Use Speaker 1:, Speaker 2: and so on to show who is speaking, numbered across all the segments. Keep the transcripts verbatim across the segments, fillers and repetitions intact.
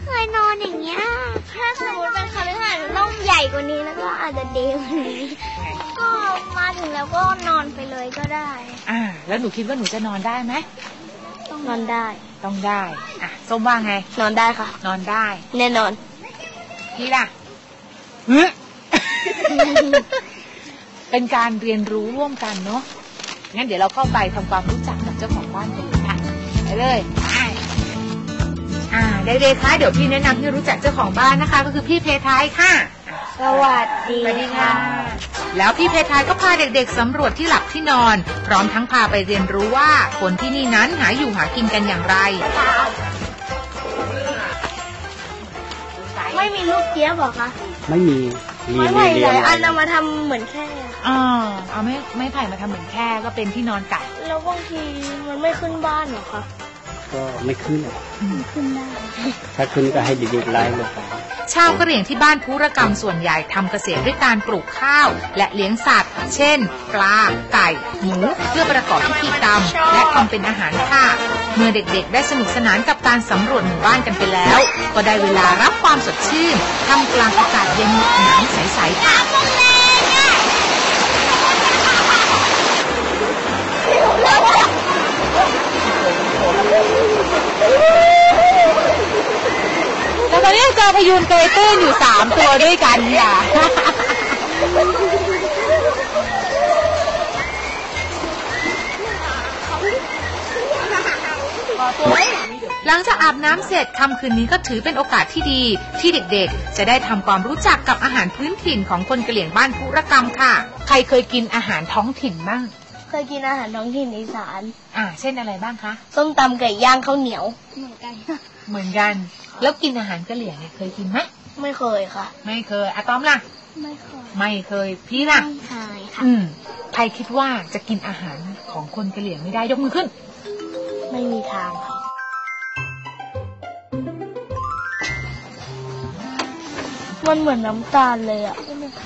Speaker 1: เคยนอนอย่างเงี้ยถ้าสมมติเป็นคฤหาสน์มันต้องใหญ่กว่านี้แล้วก็อาจจะดีกว่านี้ก็มาถึงแล้วก็นอนไปเลยก็ได้
Speaker 2: อ่าแล้วหนูคิดว่าหนูจะนอนได้ไหม
Speaker 1: ต้องนอนได้
Speaker 2: ต้องได้อ่ะส้มว่าไง
Speaker 1: นอนได้ค่ะ
Speaker 2: นอนได้
Speaker 1: แน่นอน
Speaker 2: พี่ล่ะเป็นการเรียนรู้ร่วมกันเนาะงั้นเดี๋ยวเราเข้าไปทำความรู้จักกับเจ้าของบ้านกันเลยค่ะไปเลยอ่าเด็กๆคะเดี๋ยวพี่แนะนำให้รู้จักเจ้าของบ้านนะคะก็คือพี่เพทายค่ะ
Speaker 1: สวัสดีค่ะ
Speaker 2: แล้วพี่เพทายก็พาเด็กๆสำรวจที่หลับที่นอนพร้อมทั้งพาไปเรียนรู้ว่าคนที่นี่นั้นหาอยู่หากินกันอย่างไร
Speaker 1: ไม่มีลูกเจี๊ยบหรอคะ
Speaker 3: ไม่มี
Speaker 1: ไม่ไผ่หลายอันเอามาทำเหมือนแค่
Speaker 2: อ๋อเอาไม่ไม่ไผ่มาทำเหมือนแค่ก็เป็นที่นอนไก่
Speaker 1: แล้วบางทีมันไม่ขึ้นบ้านหรอคะ
Speaker 3: ก็ไม่ขึ้นอ่ะ
Speaker 1: ขึ้นได้
Speaker 3: ถ้าขึ้นก็ให้เด็กๆไล่ลงไป
Speaker 2: ชาวกะเหรี่ยงที่บ้านภูรกรรมส่วนใหญ่ทำเกษตรด้วยการปลูกข้าวและเลี้ยงสัตว์เช่นปลาไก่หมูเพื่อประกอบพิธีกรรมและทำเป็นอาหารค่ะเมื่อเด็กๆได้สนุกสนานกับการสำรวจหมู่บ้านกันไปแล้วก็ได้เวลารับความสดชื่นท่ามกลางอากาศเย็นหนาวใสๆค่ะแล้วตอนนี้เจอพยูนเกยตื้นอยู่สามตัวด้วยกันค่ะหลังจากอาบน้ำเสร็จค่ำคืนนี้ก็ถือเป็นโอกาสที่ดีที่เด็กๆจะได้ทำความรู้จักกับอาหารพื้นถิ่นของคนกะเหรี่ยงบ้านภูรกรรมค่ะใครเคยกินอาหารท้องถิ่นบ้าง
Speaker 1: เคยกินอาหารท้องถิ่นอีสาน
Speaker 2: อ่าเช่นอะไรบ้างคะ
Speaker 1: ส้มตำไก่ย่างข้าวเหนียวเหมือนกัน
Speaker 2: เหมือนกันแล้วกินอาหารกะเหรี่ยงเนี่ยเคยกินไหม
Speaker 1: ไม่เคยค่ะ
Speaker 2: ไม่เคยอะตอมล่ะ
Speaker 1: ไม่เคย
Speaker 2: ไม่เคยพี่ล่ะ
Speaker 1: ไม่เคยค่ะ
Speaker 2: อืมใครคิดว่าจะกินอาหารของคนกะเหรี่ยงไม่ได้ยกมือขึ้น
Speaker 1: ไม่มีทางค่ะมันเหมือนน้ำตาลเลยอ่ะ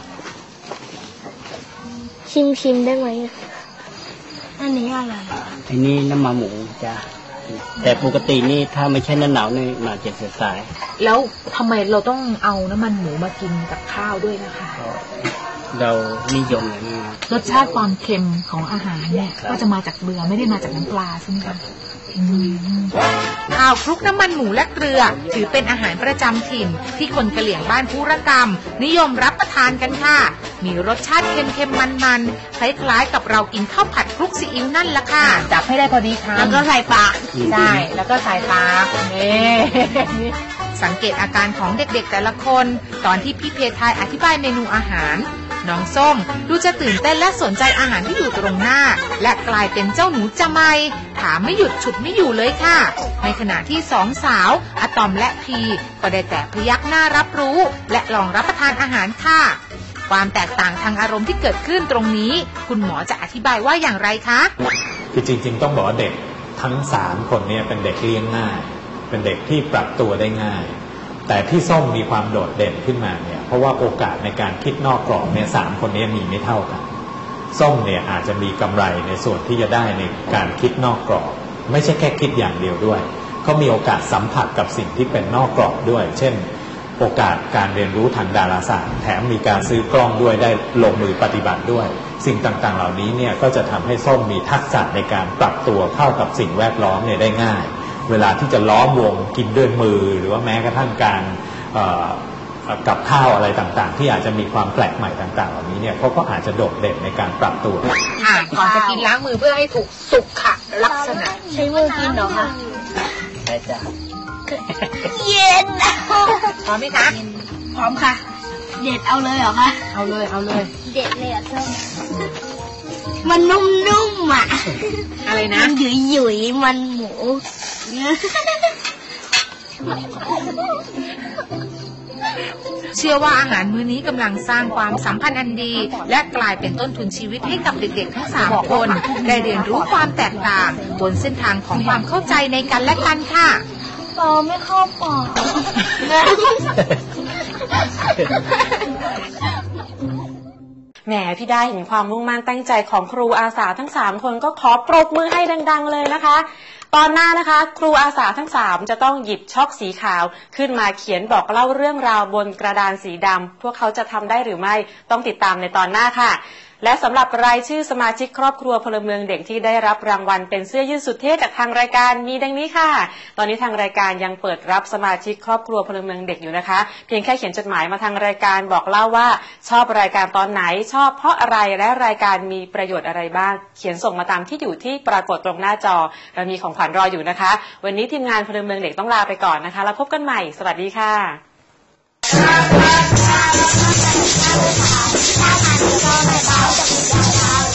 Speaker 1: ชิมชิมได้ไหมอันนี้อะไร
Speaker 3: อันนี้น้ำมันหมูจ้ะแต่ปกตินี่ถ้าไม่ใช่หน้าหนาวนี่มาเจ็ดเสียสาย
Speaker 2: แล้วทำไมเราต้องเอาน้ำมันหมูมากินกับข้าวด้วยนะคะ
Speaker 3: เรานิยมอย่างนี้
Speaker 2: รสชาติความเค็มของอาหารเนี่ยก็จะมาจากเกลือไม่ได้มาจากน้ำปลาใช่ไหมคะข้าวคลุกน้ำมันหมูและเกลือถือเป็นอาหารประจำถิ่นที่คนกะเหรี่ยงบ้านภูรกรรมนิยมรับประทานกันค่ะมีรสชาติเค็มๆมันๆคล้ายๆกับเรากินข้าวผัดคลุกซีอิ๊วนั่นละค่ะจับให้ได้พอดีคำ
Speaker 1: แล้วก็ใส่ปาก
Speaker 2: ใช่แล้วก็ใส่ปากนี่สังเกตอาการของเด็กๆแต่ละคนตอนที่พี่เพทายอธิบายเมนูอาหารน้องส้มดูจะตื่นเต้นและสนใจอาหารที่อยู่ตรงหน้าและกลายเป็นเจ้าหนูจะไม่ถามไม่หยุดฉุดไม่อยู่เลยค่ะในขณะที่สองสาวอะตอมและพีก็ได้แต่พยักหน้ารับรู้และลองรับประทานอาหารค่ะความแตกต่างทางอารมณ์ที่เกิดขึ้นตรงนี้คุณหมอจะอธิบายว่าอย่างไรคะ
Speaker 4: คือจริงๆต้องบอกว่าเด็กทั้งสามคนนี้เป็นเด็กเลี้ยงง่ายเป็นเด็กที่ปรับตัวได้ง่ายแต่ที่ส้มมีความโดดเด่นขึ้นมาเนี่ยเพราะว่าโอกาสในการคิดนอกกรอบเนี่ยสามคนนี้มีไม่เท่ากันส้มเนี่ยอาจจะมีกำไรในส่วนที่จะได้ในการคิดนอกกรอบไม่ใช่แค่คิดอย่างเดียวด้วยเขามีโอกาสสัมผัสกับสิ่งที่เป็นนอกกรอบด้วยเช่นโอกาสการเรียนรู้ทางดาราศาสตร์แถมมีการซื้อกล้องด้วยได้ลงมือปฏิบัติด้วยสิ่งต่างๆเหล่านี้เนี่ยก็จะทำให้ส้มมีทักษะในการปรับตัวเข้ากับสิ่งแวดล้อมเนี่ยได้ง่ายเวลาที่จะล้อมวงกินด้วยมือหรือว่าแม้กระทั่งการกับข้าวอะไรต่างๆที่อาจจะมีความแปลกใหม่ต่างๆเหล่านี้เนี่ยเขาก็อาจจะโดดเด่นในการปรับตัว
Speaker 2: ก่อนจะกินล้างมือเพื่อให้ถูกสุขลักษณะ
Speaker 1: ใช้มือกินเหรอคะ
Speaker 3: ใช่จ้ะ
Speaker 1: เย็น
Speaker 2: พร้อมไหมคะ
Speaker 1: พร้อมค่ะเด็ดเอาเลยเหรอคะ
Speaker 2: เอาเลยเอาเลย
Speaker 1: เด็ดเลยอ่ะส้มมันนุ่มๆอ่ะ
Speaker 2: อะไรนะ
Speaker 1: มันหยุ่ยๆมันหมู
Speaker 2: เชื่อว่าอาหารมื้อนี้กำลังสร้างความสัมพันธ์อันดีและกลายเป็นต้นทุนชีวิตให้กับเด็กๆทั้งสามคนได้เรียนรู้ความแตกต่างบนเส้นทางของความเข้าใจในกันและกันค่ะ
Speaker 1: ปอไม่เข้าปาก
Speaker 5: แหมพี่ได้เห็นความมุ่งมั่นตั้งใจของครูอาสาทั้งสามคนก็ขอปรบมือให้ดังๆเลยนะคะตอนหน้านะคะครูอาสาทั้งสามจะต้องหยิบช็อกสีขาวขึ้นมาเขียนบอกเล่าเรื่องราวบนกระดานสีดำพวกเขาจะทำได้หรือไม่ต้องติดตามในตอนหน้าค่ะและสำหรับรายชื่อสมาชิกครอบครัวพลเมืองเด็กที่ได้รับรางวัลเป็นเสื้อยืดสุดเท่จากทางรายการมีดังนี้ค่ะตอนนี้ทางรายการยังเปิดรับสมาชิกครอบครัวพลเมืองเด็กอยู่นะคะเพียงแค่เขียนจดหมายมาทางรายการบอกเล่าว่าชอบรายการตอนไหนชอบเพราะอะไรและรายการมีประโยชน์อะไรบ้างเขียนส่งมาตามที่อยู่ที่ปรากฏตรงหน้าจอเรามีของขวัญรออยู่นะคะวันนี้ทีมงานพลเมืองเด็กต้องลาไปก่อนนะคะแล้วพบกันใหม่สวัสดีค่ะ
Speaker 1: ถ้าทานก็ไม่เบาจะมียาว